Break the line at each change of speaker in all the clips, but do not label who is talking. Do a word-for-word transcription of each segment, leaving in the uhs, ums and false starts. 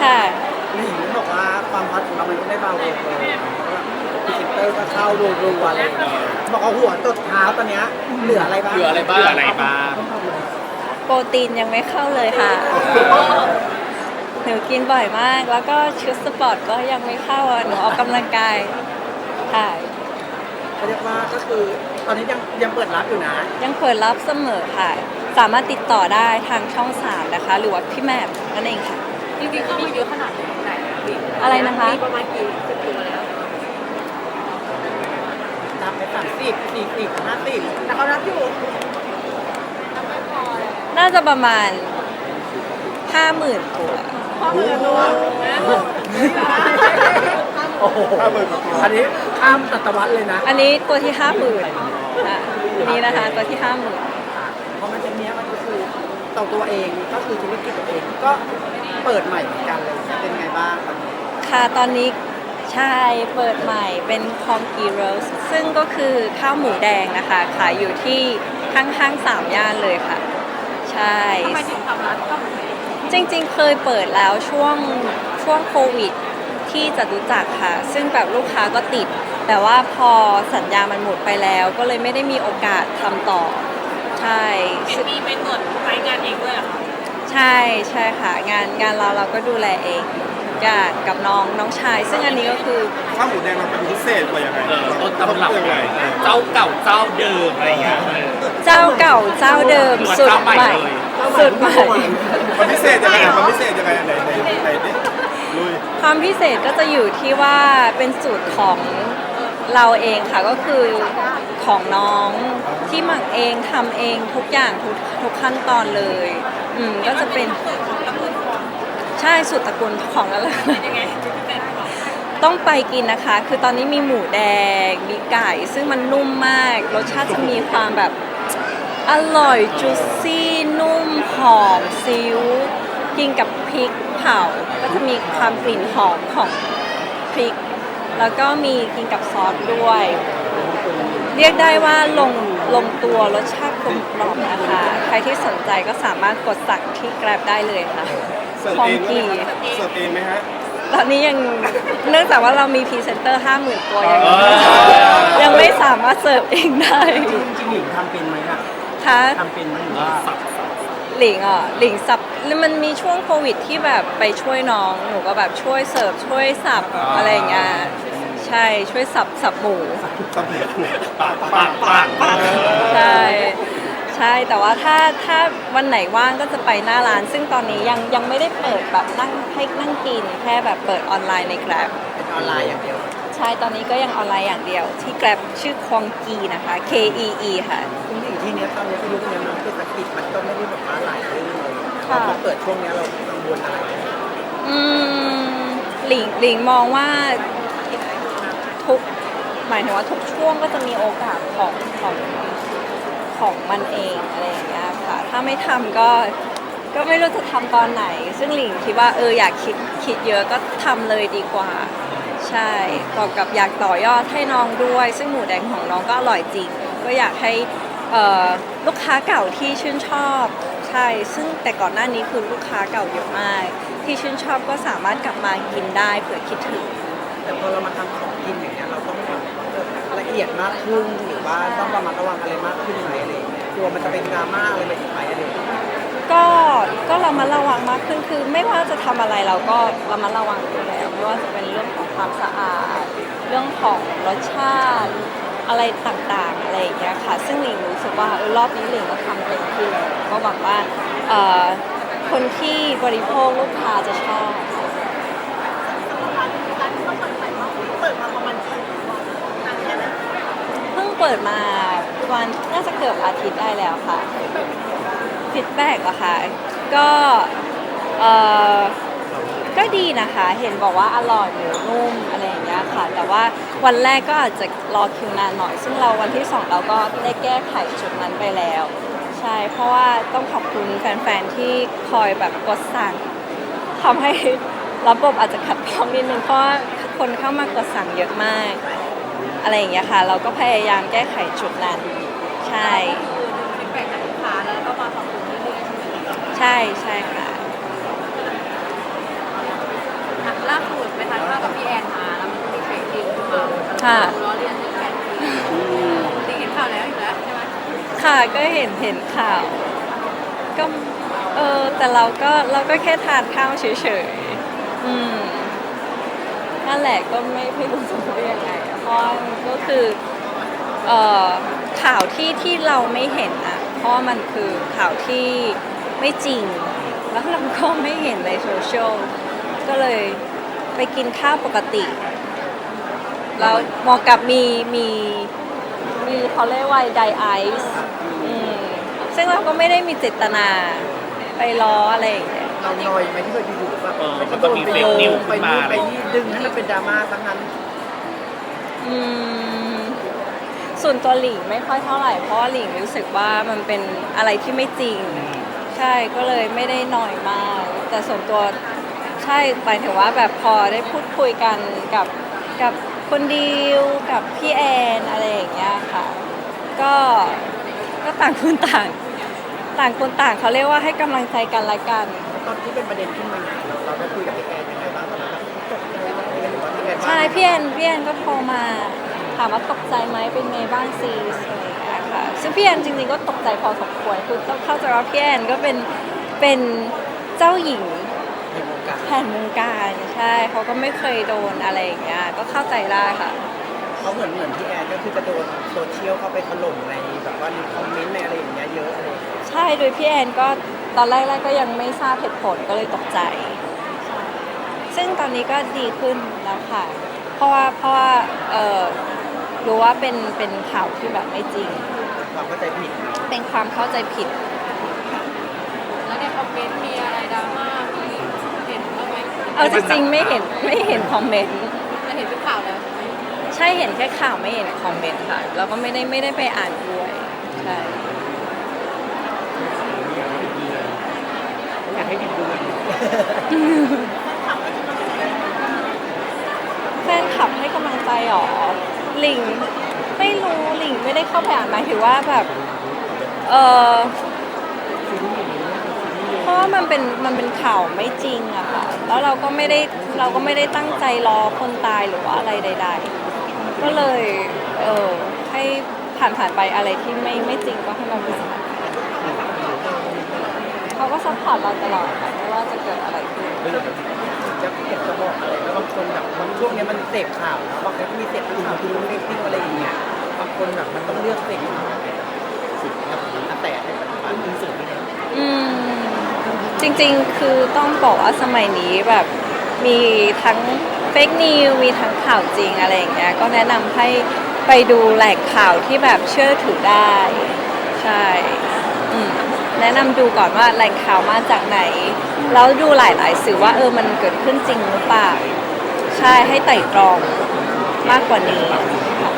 ค่ะ
หนิงบอกว่าความฮอตของเรามันไม่ได้เบาลงเลยพรีเซนเตอร์ก็เข้ารัวๆอะไรอย่างเงี้ยบอกเอาหัวตดเท้าตอนเนี้ยเหลืออะไรบ้าง
เหลืออะไรบ้างเหลืออะไรบ้าง
โปรตีนยังไม่เข้าเลยค่ะหนูกินบ่อยมาก แล้วก็ชุดสปอร์ตก็ยังไม่เข้าอ่ะหนูออกกำลังกายค่ะ
เขาเรียกว่าก็คือตอนนี้ยังยังเปิดรับอยู่นะ
ยังเปิดรับเสมอค่ะ สามารถติดต่อได้ทางช่องสามนะคะ หรือว่าพี่แม่นั่นเองค่ะ
จริงๆเข้ามาเยอะขนาดไหนไหน
อะไรนะคะ
มีประมาณกี่สิบตัวแล้ว
รับไปสามสิบสี่สิบห้าสิบ
แต่เขารับอยู่
น่าจะประมาณห้าหมื่นตัว
พ่อมือตัว
โอ้โหอันนี้ข้ามศตวรรษเลยนะ
อันนี้ตัวที่ห้าหมื่นค่ะนี่นะคะตัวที่ห้าหมื่น
เพราะมันจะเนี้ยมันก็คือต่อตัวเองก็คือธุรกิจตัวเองก็เปิดใหม่เหมือนกันเลยเป็นไงบ้างตอนนี้
ค่ะตอนนี้ใช่เปิดใหม่เป็นคอมกีโรสซึ่งก็คือข้าวหมูแดงนะคะขายอยู่ที่ข้างห้างสามย่านเลยค่ะ ใช่
ทำไมถึงทำร้านข้าวหมูแดง
จริงๆเคยเปิดแล้วช่วงช่วงโควิดที่จะรู้จักค่ะ ซึ่งแบบลูกค้าก็ติด แต่ว่าพอสัญญามันหมดไปแล้ว ก็เลยไม่ได้มีโอกาสทำต่อ ใช่
มีไปตรวจไซต์งานเองด้วยเหรอคะ
ใช่ใช่ค่ะ งานงานเราเราก็ดูแลเองกับกับน้องน้องชาย ซึ่งอันนี้ก็คือ
ข้าวหมูแดงมันเป็นพิเศษกว่ายังไง
เออต้นตำรับ
ยังไง
เจ้าเก่าเจ้าเดิมอะไรอย่างเงี้ย
เจ้าเก่าเจ้าเดิม
หรือว่า
สุด
เจ้าใหม่
ใหม่
เลย
สุดใหม่
มันพิเศษยังไงมันพิเศษยังไงไหนไหนไหนดิลุย
ความพิเศษก็จะอยู่ที่ว่าเป็นสูตรของเราเองค่ะก็คือของน้องที่หมักเองทำเองทุกอย่างทุกทุกขั้นตอนเลยอืมก็จะเป็นใช่สูตรตระกูลของอะไร
ยังไงเป็นของ
ต้องไปกินนะคะ คือตอนนี้มีหมูแดง มีไก่ ซึ่งมันนุ่มมาก รสชาติจะมีความแบบอร่อยจุยซี่นุ่มหอมซิ้วกินกับพริกเผา ก็จะมีความกลิ่นหอมของพริก แล้วก็มีกินกับซอสด้วย เรียกได้ว่าลงลงตัวรสชาติกลมกล่อมนะคะ ใครที่สนใจก็สามารถกดสั่งที่ Grab ได้เลยค่ะ
เสิร์ฟ
คอ
เอ
ม
งไหม
กี
ฮะเสิร์ฟเองไหมฮะ
ตอนนี้ยังเนื่องจากว่าเรามีพรีเซนเตอร์ห้าหมื่นตัวยังยังไม่สามารถเสิร์ฟเองได้
จริงจริงๆหลิงทำเป็นไหมอะ
ค่ะ
ทำเป็นไหมหรือว่า
หลิงอ่ะหลิงสับมันมีช่วงโควิดที่แบบไปช่วยน้องหนูก็แบบช่วยเสิร์ฟช่วยสับอะไรอย่างเงี้ยใช่ช่วยสับสับหมู
สับเหตุ
ปากปากปากปาก
ใช่ใช่แต่ว่าถ้าถ้าวันไหนว่างก็จะไปหน้าร้าน ซึ่งตอนนี้ยังยังไม่ได้เปิดแบบนั่งให้นั่งกินแค่แบบเปิดออนไลน์ใน Grab
เป็นออนไลน์อย่างเดียว
ใช่ตอนนี้ก็ยังออนไลน์อย่างเดียวที่ Grab ชื่อควงกีนะคะ K E E ค่ะ
จริงๆที่เนี้ยตอนนี้ที่ยุคนี้มันเศรษฐกิจมันก็ไม่ได้แบบว่าหลายเรื่องเลย
ค่ะ
พอเปิดช่วงเนี้ยเรากังวลอะไรไหม
อืมหลิงหลิงมองว่าทุกหมายถึงว่าทุกช่วงก็จะมีโอกาสของของของมันเองอะไรอย่างเงี้ยค่ะ ถ้าไม่ทำก็ก็ไม่รู้จะทำตอนไหน ซึ่งหลิงคิดว่าเอออยากคิดคิดเยอะก็ทำเลยดีกว่า ใช่บอกกับอยากต่อยอดให้น้องด้วย ซึ่งหมูแดงของน้องก็อร่อยจริง ก็อยากให้เอ่อลูกค้าเก่าที่ชื่นชอบใช่ซึ่งแต่ก่อนหน้านี้คือลูกค้าเก่าเยอะมาก ที่ชื่นชอบก็สามารถกลับมากินได้เผื่อคิดถึง
แต่พอเรามาทำของกินอย่างเงี้ยเราต้องแบบละเอียดมากขึ้นหรือว่าต้องระมัดระวังอะไรมากขึ้นไหมอะไรอย่างเงี้ยกลัวมันจะเป็นดราม่าอะไรไปอีกไหมอะไรอย่างเงี้ย
ก็ก็เรามาระวังมากขึ้นคือไม่ว่าจะทำอะไรเราก็เรามาระวังอยู่แล้วไม่ว่าจะเป็นเรื่องของความสะอาด เรื่องของรสชาติอะไรต่างๆอะไรอย่างเงี้ยค่ะ ซึ่งหลิงรู้สึกว่าเออรอบนี้หลิงก็ทำเต็มที่แล้วก็หวังว่าเอ่อคนที่บริโภคลูกค้าจะชอบเพิ่งเปิดมาวันน่าจะเกือบอาทิตย์ได้แล้วค่ะฟีดแบ็กอะค่ะก็เอ่อก็ดีนะคะ เห็นบอกว่าอร่อยหมูนุ่มอะไรอย่างเงี้ยค่ะ แต่ว่าวันแรกก็อาจจะรอคิวนานหน่อย ซึ่งเราวันที่สองเราก็ได้แก้ไขจุดนั้นไปแล้ว ใช่ เพราะว่าต้องขอบคุณแฟนๆที่คอยแบบกดสั่งทำให้ระบบอาจจะขัดข้องนิดนึงเพราะว่าคนเข้ามากดสั่งเยอะมาก อะไรอย่างเงี้ยค่ะ เราก็พยายามแก้ไขจุดนั้น ใช่
ฟีดแบ็กจากลูกค้าแล้วก็มาปรับปรุงเรื่อยๆใช่ไหม
ใช่ใช่ค่ะ
อล่าสุดไปทานข้าวกับพี่แอนมาแล้วมันก็มีเพลงจริงมา
ค่ะ
ล้อเลียนเรื่องแฟนจริงเห็นข่าวแล้วอยู่แล้วใช่ไหม
ค่ะก็เห็นเห็นข่าว ก็เออแต่เราก็เราก็แค่ทานข้าวเฉยๆอืมนั่นแหละก็ไม่ไม่รู้จะพูดยังไงอะเพราะว่ามันก็คือเอ่อข่าวที่ที่เราไม่เห็นอะเพราะว่ามันคือข่าวที่ไม่จริง แล้วเราก็ไม่เห็นในโซเชียลก็เลยไปกินข้าวปกติแล้วเหมองกับมีมีมีเขาเรียกว่าไดไอซ์อืมซึ่งเราก็ไม่ได้มีเจตนาไปล้ออะไรอย่างเงี้ย
เราหน่อยไหมที่เคยอยู่ๆแบบ
เออมันก็มีเฟกนิวขึ้นมา
ไปนี่ดึงให้มันเป็นดราม่าทั้งนั้น
อืมส่วนตัวหลิงไม่ค่อยเท่าไหร่เพราะว่าหลิงรู้สึกว่ามันเป็นอะไรที่ไม่จริง ใช่ก็เลยไม่ได้หน่อยมาก แต่ส่วนตัวใช่หมายถึงว่าแบบพอได้พูดคุยกันกับกับคนดิวกับพี่แอนอะไรอย่างเงี้ยค่ะ ก็ก็ต่างคนต่าง ต่างคนต่างเขาเรียกว่าให้กำลังใจกันละกัน
ตอนที่เป็นประเด็นขึ้นมาเราเราได้คุยกับพี่แอนยังไงบ้างตอนนั้นตกใจไหมหรือว่ายังไงบ้าง
ใช่พี่แอนพี่แอนก็โทรมาถามว่าตกใจไหมเป็นไงบ้างซีสอะไรอย่างเงี้ยค่ะซึ่งพี่แอนจริงๆก็ตกใจพอสมควรคือต้องเข้าใจว่าพี่แอนก็เป็นเป็นเจ้าหญิง
ในวงการ
แผ่นวงการใช่เขาก็ไม่เคยโดนอะไรอย่างเงี้ยก็เข้าใจได้ค่ะ
เขาเหมือนเหมือนพี่แอนก็คือจะโดนโซเชียลเข้าไปถล่มในแบบว่าในคอมเมนต์ในอะไรอย่างเงี้ยเยอะอะไรอย่างเงี้ย
ใช่โดยพี่แอนก็ตอนแรกๆก็ยังไม่ทราบเหตุผลก็เลยตกใจ ซึ่งตอนนี้ก็ดีขึ้นแล้วค่ะ เพราะว่าเพราะว่าเออรู้ว่าเป็นเป็นข่าวที่แบบไม่จริง
ความเข้าใจผิดเนาะ
เป็นความเข้าใจผิด
แล้วในคอมเมนต์มีอะไรดราม่ามีเห็นบ้างไหม
เอาจริงๆไม่เห็นไม่เห็นคอมเมนต์
จะเห็นเป็นข่าวแล้วใช่ไหม
ใช่เห็นแค่ข่าวไม่เห็นคอมเมนต์ค่ะ แล้วก็ไม่ได้ไม่ได้ไปอ่านด้วยใช่
อยากให้ผิดดูเลย
แฟนคลับให้กำลังใจหรอหลิงไม่รู้หลิงไม่ได้เข้าไปอ่านหมายถึงว่าแบบเออเพราะว่ามันเป็นมันเป็นข่าวไม่จริงอะค่ะแล้วเราก็ไม่ได้เราก็ไม่ได้ตั้งใจรอคนตายหรือว่าอะไรใด ๆ ก็เลยเออให้ผ่านผ่านๆไปอะไรที่ไม่ไม่จริงก็ให้มันผ่านเขาก็ซัพพอร์ตเราตลอดค่ะไม่ว่าจะเกิดอะไรขึ้น
จะเก็บจะบอกอะไรแล้วบางคนแบบบางช่วงเนี้ยมันเสพข่าวนะบางคนก็มีเสพข่าวที่รู้เรื่องที่อะไรอย่างเงี้ยบางคนแบบมันต้องเลือกเสพข่าวสุดครับแต่ในปัจจุบันที่สุดนี่นะ
อืมจริงๆ คือต้องบอกว่าสมัยนี้แบบมีทั้งเฟกนิวมีทั้งข่าวจริงอะไรอย่างเงี้ยก็แนะนำให้ไปดูแหล่งข่าวที่แบบเชื่อถือได้ ใช่อืมแนะนำดูก่อนว่าแหล่งข่าวมาจากไหน แล้วดูหลายๆสื่อว่าเออมันเกิดขึ้นจริงหรือเปล่า ใช่ให้ไต่ตรองมากกว่านี้ค่ะ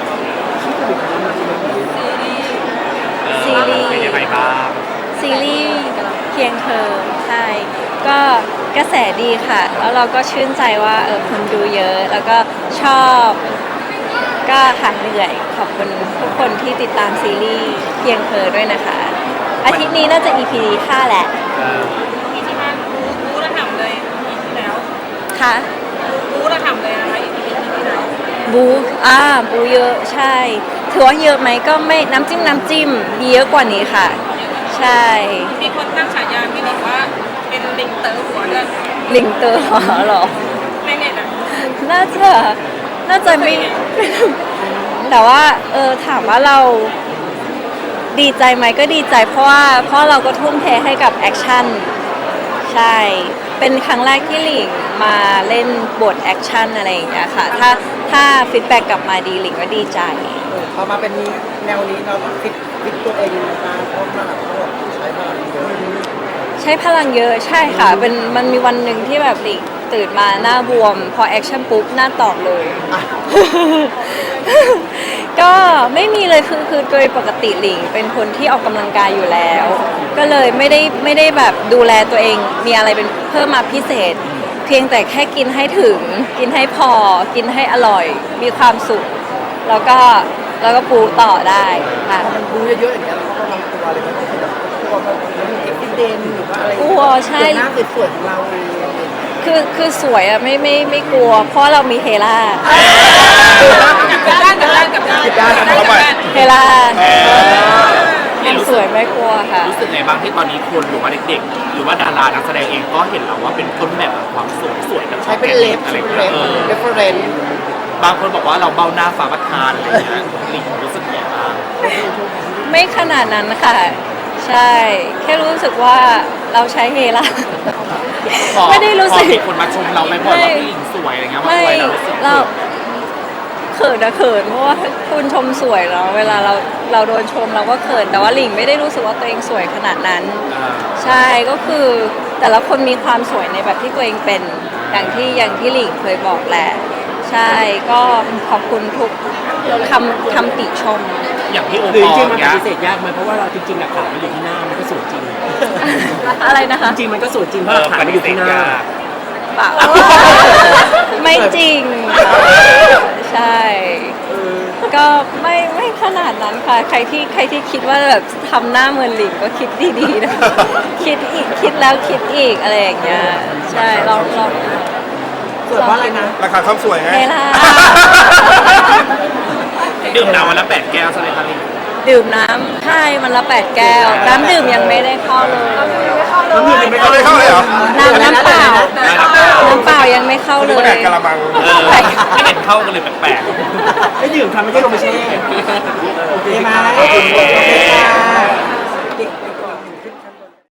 เออ
ซีรีส์
เป็นยังไงบ้าง
ซีรีส์เพียงเธอใช่ก็กระแสดีค่ะ แล้วเราก็ชื่นใจว่าเออคนดูเยอะ แล้วก็ชอบก็หายเหนื่อยขอบคุณทุกคนที่ติดตามซีรีส์เพียงเธอด้วยนะคะ อาทิตย์นี้น่าจะ อี พี ห้าแหละ
เออ
อีที่ห้ารู้รู้ระห่ำเลยอีที่แล้ว
ค่ะ
รู้ระห่ำเลยนะคะอีที่ที่แล้ว
บูอ่าบูเยอะใช่ ถือว่าเยอะไหมก็ไม่น้ำจิ้มน้ำจิ้มมีเยอะกว่านี้ค่ะ ใช่
มีคนตั้งฉายาพี่หนิงว่าเป็นลิงเต๋อหัวเดือน
ลิงเตอร์เหรอ
ในเน็ตอ่ะ
น่าจะน่าจะไม่ แต่ว่าเออถามว่าเราดีใจไหมก็ดีใจเพราะว่าเพราะเราก็ทุ่มเทให้กับแอคชั่นใช่ เป็นครั้งแรกที่หลิงมาเล่นบทแอคชั่นอะไรอย่างเงี้ยค่ะ ถ้าถ้าฟีดแบ็กกลับมาดีหลิงก็ดีใจ
เออพอมาเป็นแนวนี้เราต้องฟิตฟิตตัวเองยังไงบ้างเพราะว่าเขาแบบใช้พลังเยอะ
ใช้พลังเยอะใช่ค่ะเป็นมันมีวันหนึ่งที่แบบหลิงตื่นมาหน้าบวม พอแอคชั่นปุ๊บหน้าตอบเลย
อ่ะ
ก็ไม่มีเลยคือคือโดยปกติหลิงเป็นคนที่ออกกำลังกายอยู่แล้ว ก็เลยไม่ได้ไม่ได้แบบดูแลตัวเองมีอะไรเป็นเพิ่มมาพิเศษ เพียงแต่แค่กินให้ถึง กินให้พอ กินให้อร่อย มีความสุข แล้วก็แล้วก็ปูต่อได้ค่ะ
พอมันบูเยอะๆอย่างเงี้ยเราก็ระวังตัวเลยมันแบบกลัวมันมีอุบิเหตุหรือว่าอะไร
กลัวใช่
ส่วนหน้าสวยๆของเราเองอะไรอย่างเงี้ย
คือคือสวยอะไม่ไม่ไม่กลัว เพราะเรามีเฮล่า
กับด้านกับด้านกับด้านกับด้านกับด้าน
เฮล่า
เออ
ความสวยไม่กลัวค่ะ
รู้สึกไงบ้างที่ตอนนี้คนหรือว่าเด็กๆ หรือว่าดารานักแสดงเองก็เห็นแล้วว่าเป็นต้นแบบของความสวยสวยกับ
ใช้เป็นเลฟ
อะไร
ใช้
อย่าง
เป็นเล
เงี้ย
ฟ
เออ
เรฟเฟอเรนซ์
บางคนบอกว่าเราเบ้าหน้าฟ้าประทานอะไรอย่างเงี้ยหลิงรู้สึกไงบ้าง
ไม่ขนาดนั้นค่ะ ใช่ แค่รู้สึกว่าเราใช้เฮล่า
พอ
ไม่ได้รู้สึก
พอมีคนมาชมเราไหมบอกว่าพี่หลิงสวยอะไรเงี้ยว่า
ไม่
สวยเรารู้สึก
เราเขินอะเขินเพราะว่าคุณชมสวยเราเวลาเราเราโดนชมเราก็เขินแต่ว่าหลิงไม่ได้รู้สึกว่าตัวเองสวยขนาดนั้น
อ่า
ใช่ก็คือแต่ละคนมีความสวยในแบบที่ตัวเองเป็นอย่างที่อย่างที่หลิงเคยบอกแหละ ใช่ก็ขอบคุณทุกคำคำติชม
อย่างพี่โอ
หรือ
ปอ
จริ
ล
งๆมัน
เงี้
ป
ย
ฏิเสธยากไหมเพราะว่าเราจริงๆหลักฐานมันอยู่ที่หน้ามันก็สวยจริง
อะไรนะคะ
จริงๆมันก็สวยจริงเพ
เอ
ราะห
อ
ลักฐาน
ป
มันอ
ฏิ
ยู่
เส
ที่
ธ
หน้า
ยาก
เปล่า ไม่จริง ใช่ ก็ไม่ไม่ขนาดนั้นค่ะ ใครที่ใครที่คิดว่าแบบทำหน้าเหมือนหลิงก็คิดดีๆนะ คิดอีกคิดแล้วคิดอีกอะไรอย่างเงี้ย ใช่ลองลอง
สวยเพราะอะไรนะ
ราคาความสวยไง
เฮล่า
ดื่มน้ำวันละแปดแก้วใช่ไหมครับหลิง
ดื่มน้ำใช่มันละแปดแก้ว น้ำดื่มยังไม่ได้เข้าเลย
แล้วพี่เป็นไม่
เอาเลยเข้าเลยเหรอ
น้ำน้ำเปล่า น้ำเปล่ายังไม่เข้าเล
ก็แด
ย
กกะละมัง
เออไม่เห็นเข้ากันเลยแปลก
ไอ้ดื่มทำไม่ใช่ลงไปแช่
โอเคไหมโอเคค่ะ